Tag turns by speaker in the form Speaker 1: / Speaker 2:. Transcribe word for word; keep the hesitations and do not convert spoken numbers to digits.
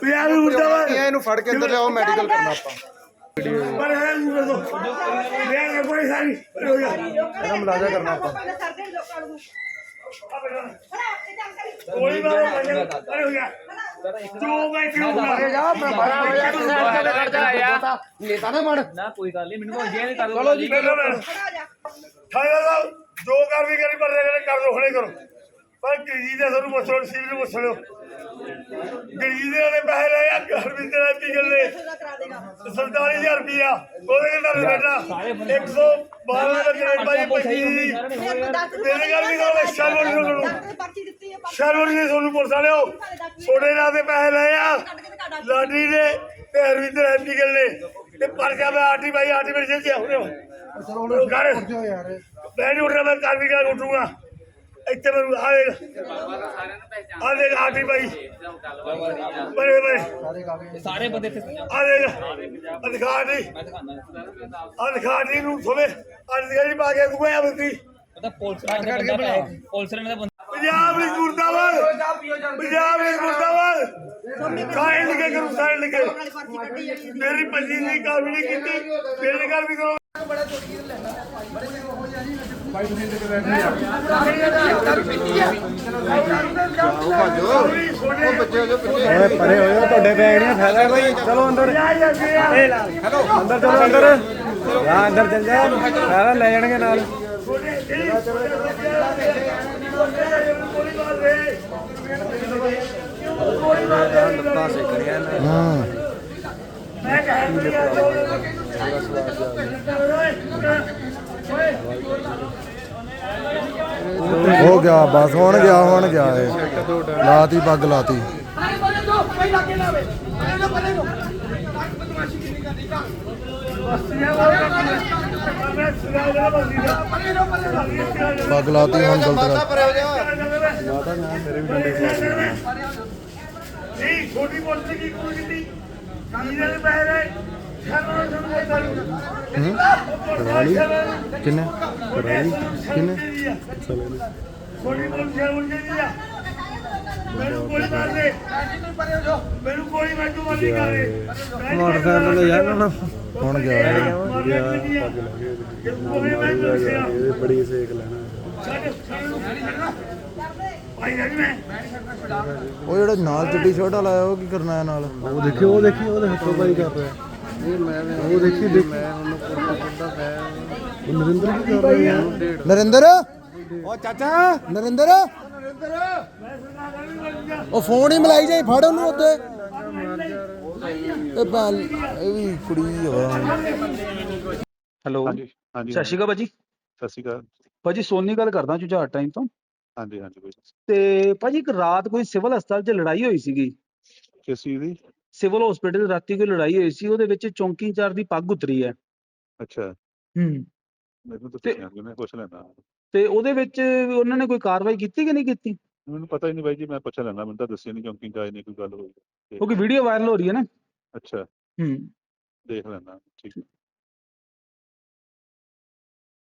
Speaker 1: ਇਹਨੂੰ ਫੜ ਕੇ ਅੰਦਰ ਲਿਆਓ ਮੈਡੀਕਲ ਕਰਨਾ ਆਪਾਂ ਇਹਦਾ ਮੁਲਾਜ਼ਾ ਕਰਨਾ ਆਪਾਂ
Speaker 2: ਗੋਲੀ ਮਾਰੋ ਅਰੇ ਹੋ ਗਿਆ ਜੋ ਮੈਂ ਕਿਉਂ ਬੁਲਾ
Speaker 1: ਜਾ ਮੈਂ ਬੜਾ ਹੋਇਆ ਤੇ ਸਾਈਡ ਤੇ ਖੜ ਜਾ ਨੇਤਾ ਨਾ ਬਣ
Speaker 3: ਨਾ ਕੋਈ ਗੱਲ ਨਹੀਂ ਮੈਨੂੰ ਜੇ ਨਹੀਂ ਕਰ
Speaker 1: ਚਲੋ ਜੀ
Speaker 2: ਠਾਣਾ ਸਾਹਿਬ ਜੋ ਕਰ ਵੀ ਕਰੀ ਪਰ ਕਰ ਦੋ ਹੁਣੇ ਕਰੋ ਪਰ ਗਰੀਬ ਦੇ ਸਾਨੂੰ ਪੁੱਛੋ ਸਿਵਲ ਨੂੰ ਪੁੱਛ ਲਿਓ ਗਰੀਬ ਦੇ ਪੈਸੇ ਲਏ ਆ ਘਰ ਵੀ ਤੇਰਾ ਕੀ ਗੱਲੇ ਸੰਤਾਲੀ ਹਜ਼ਾਰ ਰੁਪਇਆ ਉਹਦੇ ਨਾਲ ਬੇਟਾ ਇੱਕ ਸੌ ਬਾਰਾਂ ਦਾ ਗ੍ਰੇਡ ਬਾਈ ਪੱਚੀ ਤੇਰੇ ਘਰ ਵੀ ਕੋਲ ਸ਼ਰਵਰ ਨੂੰ ਸ਼ਰਵਰ ਨੇ ਤੁਹਾਨੂੰ ਪੁਲਿਸ ਵਾਲਿਓ ਛੋੜੇ ਨਾਲ ਦੇ ਪੈਸੇ ਲਏ ਆ ਲਾਡੀ ਨੇ ਤੇ ਹਰਵਿੰਦਰ ਹੈਪੀ ਗੱਲੇ ਤੇ ਪਰਚਾ ਮੈਂ ਆਰਟੀ ਬਾਈ ਆਰਟੀ ਮੇਰੇ ਜੇਲ੍ਹ ਚ ਆਉਣੇ ਚਲੋ ਕਰ
Speaker 1: ਯਾਰ
Speaker 2: ਮੈਂ ਨਹੀਂ ਉੱਠਣਾ ਮੈਂ ਕਰ ਵੀ ਕਰ ਉੱਠੂਗਾ ਇੱਥੇ ਮੈਨੂੰ ਆ ਦੇਖ ਆ ਦੇਖ ਆਰਟੀ ਬਾਈ ਬੜੇ ਬੜੇ
Speaker 3: ਸਾਰੇ ਬੰਦੇ ਇੱਥੇ
Speaker 2: ਆ ਦੇਖ ਅਧਿਕਾਰੀ ਅਧਿਕਾਰੀ ਨੂੰ ਸੁਣੇ ਅਧਿਕਾਰੀ ਪਾ ਕੇ ਤੂੰ ਆ ਬੰਦੀ
Speaker 3: ਪਤਾ ਪੁਲਿਸ ਨੇ ਬੰਦਾ ਪੁਲਿਸ ਨੇ ਬੰਦਾ
Speaker 2: ਪੰਜਾਬ ਵਿੱਚ ਮੁਰਦਾਬਾਦ ਪੰਜਾਬ ਵਿੱਚ ਮੁਰਦਾਬਾਦ ਸਾਈਨ ਲਿਖੇ ਕਰੂ ਸਾਈਨ ਲਿਖੇ ਮੇਰੀ ਪੰਜੀ ਦੀ ਕਾਬੀ ਨਹੀਂ ਕੀਤੀ ਮੇਰੇ ਘਰ ਵੀ ਕਰੋ
Speaker 1: ਭਾਈ ਤੁਸੀਂ ਇੱਥੇ ਬੈਠੇ ਆ ਉਹ ਬੱਚੇ ਹੋ ਪਿੱਛੇ ਓਏ ਪਰੇ ਹੋਏ ਤੁਹਾਡੇ ਬੈਗ ਨਹੀਂ ਫਾਇਦਾ ਕੋਈ ਚਲੋ ਅੰਦਰ ਹੈਲੋ ਅੰਦਰ ਚਲੋ ਅੰਦਰ ਆ ਅੰਦਰ ਚੱਲ ਜਾ ਫਾਇਦਾ ਲੈ ਜਾਣਗੇ ਨਾਲ ਲੱਤਾਂ ਸੇ ਕਰਿਆ ਨਾ ਹਾਂ
Speaker 2: ਮੈਂ ਕਹਿ
Speaker 1: ਹੋ ਗਿਆ ਬਸ ਹੁਣ ਗਿਆ ਹੁਣ ਗਿਆ ਇਹ ਲਾਤੀ ਪੱਗ ਲਾਤੀ ਪੱਗ ਲਾਤੀ ਹੁਣ ਗਲਤ ਕਰ ਲਾਤਾ ਨਾ ਮੇਰੇ ਵੀ ਡੰਡੇ
Speaker 2: ਨਹੀਂ ਛੋਟੀ ਮੋਟੀ ਕੀ ਕੋਈ ਕੀਤੀ ਇਹਦੇ ਦੇ ਪੈਸੇ
Speaker 1: ਹੂੰ ਕਰਾਲੀ ਕਿੰਨੇ ਕਰਾਲੀ ਕਿੰਨੇ
Speaker 2: ਛੋਟੀ ਮੋਟੀ ਸ਼ਰਮ ਨਹੀਂ ਆ ਮੈਨੂੰ ਕੋਈ ਮਾਰ ਦੇ ਮੈਨੂੰ ਕੋਈ ਮੈਨੂੰ ਮਾਰ ਨਹੀਂ ਕਰੇ
Speaker 1: ਮੋਟਰਸਾਈਕਲ ਤੇ ਯਾਰ ਹੁਣ ਹੁਣ ਗਿਆ ਇਹ ਬੜੀ ਸੇਕ ਲੈਣਾ ਉਹ ਜਿਹੜਾ ਨਾਲ ਚਿੱਟੀ ਸ਼ਰਟ ਵਾਲਾ ਆਇਆ ਉਹ ਕੀ ਕਰਨਾ ਹੈ ਨਾਲ ਉਹ ਦੇਖੀ ਉਹ ਦੇਖੀ ਉਹਦੇ ਹੱਥੋਂ ਪਾਈ ਕਰ ਰਿਹਾ ਉਹ ਦੇਖੀ ਦੇਖ ਮੈਂ ਉਹਨੂੰ ਪੁੱਛਦਾ ਮੈਂ ਨਰਿੰਦਰ ਕੀ ਕਰ ਰਿਹਾ ਨਰਿੰਦਰ ਉਹ ਚਾਚਾ ਨਰਿੰਦਰ ਉਹ ਫੋਨ ਹੀ ਮਲਾਈ ਜਾਈ ਫੜ ਉਹਨੂੰ ਉੱਤੇ ਇਹ ਬਾਲ ਇਹ ਵੀ ਕੁੜੀ ਹੋਇਆ
Speaker 3: ਹੈਲੋ
Speaker 4: ਹਾਂਜੀ ਹਾਂਜੀ
Speaker 3: ਸਤਿ ਸ਼੍ਰੀ ਅਕਾਲ ਭਾਜੀ
Speaker 4: ਸਤਿ ਸ਼੍ਰੀ ਅਕਾਲ
Speaker 3: ਭਾਜੀ ਸੋਨੀ ਗੱਲ ਕਰਦਾ ਜੁਝਾਰ ਟਾਈਮ ਤੋਂ
Speaker 4: ਹਾਂਜੀ ਹਾਂਜੀ ਕੋਈ
Speaker 3: ਤੇ ਭਾਜੀ ਇੱਕ ਰਾਤ ਕੋਈ ਸਿਵਲ ਹਸਪਤਾਲ 'ਚ ਲੜਾਈ ਹੋਈ ਸੀਗੀ
Speaker 4: ਕਿਸ ਚੀਜ਼ ਦੀ
Speaker 3: ਸਿਵਲ ਹਸਪੀਟਲ ਰਾਤੀ ਕੋਈ ਲੜਾਈ ਹੋਈ ਸੀ ਉਹਦੇ ਵਿੱਚ ਚੌਂਕੀ ਇੰਚਾਰਜ ਦੀ ਪੱਗ ਉਤਰੀ ਹੈ
Speaker 4: ਅੱਛਾ
Speaker 3: ਹੂੰ
Speaker 4: ਮੈਨੂੰ ਤਾਂ
Speaker 3: ਤੇ-
Speaker 4: ਪੁੱਛਿਆ ਕਿ ਮੈਂ ਪੁੱਛ ਲੈਂਦਾ
Speaker 3: ਤੇ ਉਹਦੇ ਵਿੱਚ ਉਹਨਾਂ ਨੇ ਕੋਈ ਕਾਰਵਾਈ ਕੀਤੀ ਕਿ ਨਹੀਂ ਕੀਤੀ
Speaker 4: ਮੈਨੂੰ ਪਤਾ ਹੀ ਨਹੀਂ ਬਾਈ ਜੀ ਮੈਂ ਪੁੱਛ ਲੈਂਦਾ ਮੈਨੂੰ ਤਾਂ ਦੱਸਿਆ ਨਹੀਂ ਕਿਉਂਕਿ ਜਾਇ ਨਹੀਂ ਕੋਈ ਗੱਲ ਹੋਈ
Speaker 3: ਕਿਉਂਕਿ ਵੀਡੀਓ ਵਾਇਰਲ ਹੋ ਰਹੀ ਹੈ ਨਾ
Speaker 4: ਅੱਛਾ
Speaker 3: ਹੂੰ
Speaker 4: ਦੇਖ ਲੈਂਦਾ ਠੀਕ